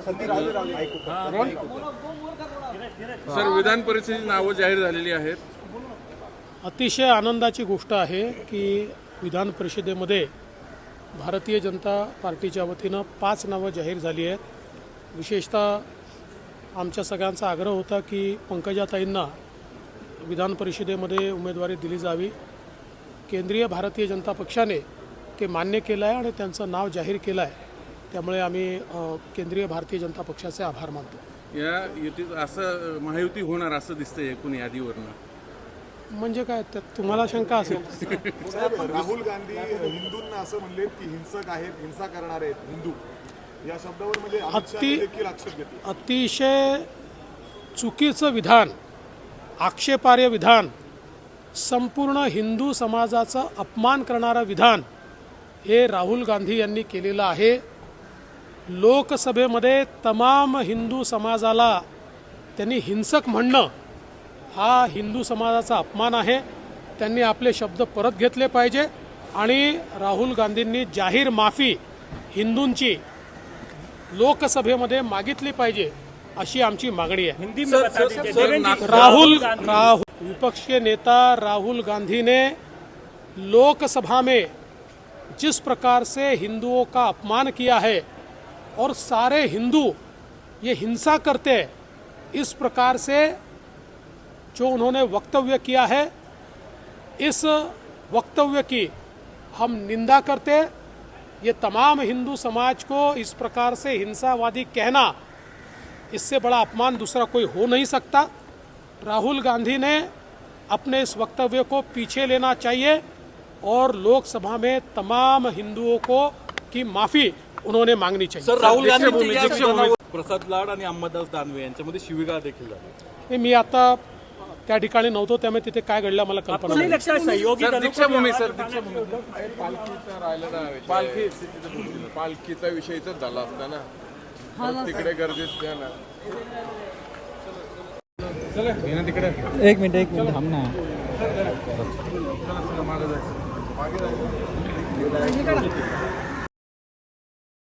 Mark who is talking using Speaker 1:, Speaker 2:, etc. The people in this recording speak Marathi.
Speaker 1: सर, विधान परिषदेची नावं जाहीर झालेली आहेत।
Speaker 2: अतिशय आनंदाची गोष्ट आहे की विधान परिषदेमध्ये भारतीय जनता पार्टीच्या वतीनं 5 नावं जाहीर झाली आहेत। विशेषतः आमच्या सगळ्यांचा आग्रह होता की पंकजाताईंना विधान परिषदेमध्ये उमेदवारी दिली जावी। केंद्रीय भारतीय जनता पक्षाने ते मान्य केलं आहे आणि त्यांचं नाव जाहीर केलं आहे। त्यामुळे आम्ही केंद्रीय भारतीय जनता पक्षाचे आभार मानतो।
Speaker 1: या युतीत असं महायुती होणार असं दिसतंय एकूण यादीवरनं।
Speaker 2: म्हणजे काय त्यात तुम्हाला शंका असेल?
Speaker 3: राहुल गांधी हिंदूंना असं म्हणले की हिंसक आहेत, हिंसा करणार आहेत हिंदू, या शब्दावर म्हणजे अमित शहा देखील आक्षेप घेतले।
Speaker 2: अतिशय चुकीचं विधान, आक्षेपार्ह विधान, संपूर्ण हिंदू समाजाचा अपमान करणारं विधान हे राहुल गांधी यांनी केलेलं आहे। लोकसभेमध्ये तमाम हिंदू समाजाला त्यांनी हिंसक म्हणणं हा हिंदू समाजाचा अपमान आहे। त्यांनी आपले शब्द परत घेतले पाहिजे आणि राहुल गांधींनी जाहीर माफी हिंदूंची लोकसभेमध्ये मागितली पाहिजे अशी आमची मागणी आहे। राहुल विपक्षी नेता राहुल गांधी ने लोकसभा में जिस प्रकार से हिंदुओं का अपमान किया है और सारे हिंदू ये हिंसा करते हैं, इस प्रकार से जो उन्होंने वक्तव्य किया है, इस वक्तव्य की हम निंदा करते। ये तमाम हिंदू समाज को इस प्रकार से हिंसावादी कहना, इससे बड़ा अपमान दूसरा कोई हो नहीं सकता। राहुल गांधी ने अपने इस वक्तव्य को पीछे लेना चाहिए और लोकसभा में तमाम हिंदुओं को की माफी उन्होंने मांगनी चाहिए।
Speaker 4: सर, राहुल गांधी प्रसाद लाड आणि अंबादास दानवे यांच्यामध्ये शिवीगाळ देखील झाली।
Speaker 2: मी आता त्या ठिकाणी नव्हतो, त्यामुळे तिथे काय घडलं मला कल्पना नाही।
Speaker 5: पालखीचा विषय तर झाला असता ना, तिकडे गरजेचं आहे ना।
Speaker 6: एक मिनिट थांब ना।
Speaker 1: मागे जायचं।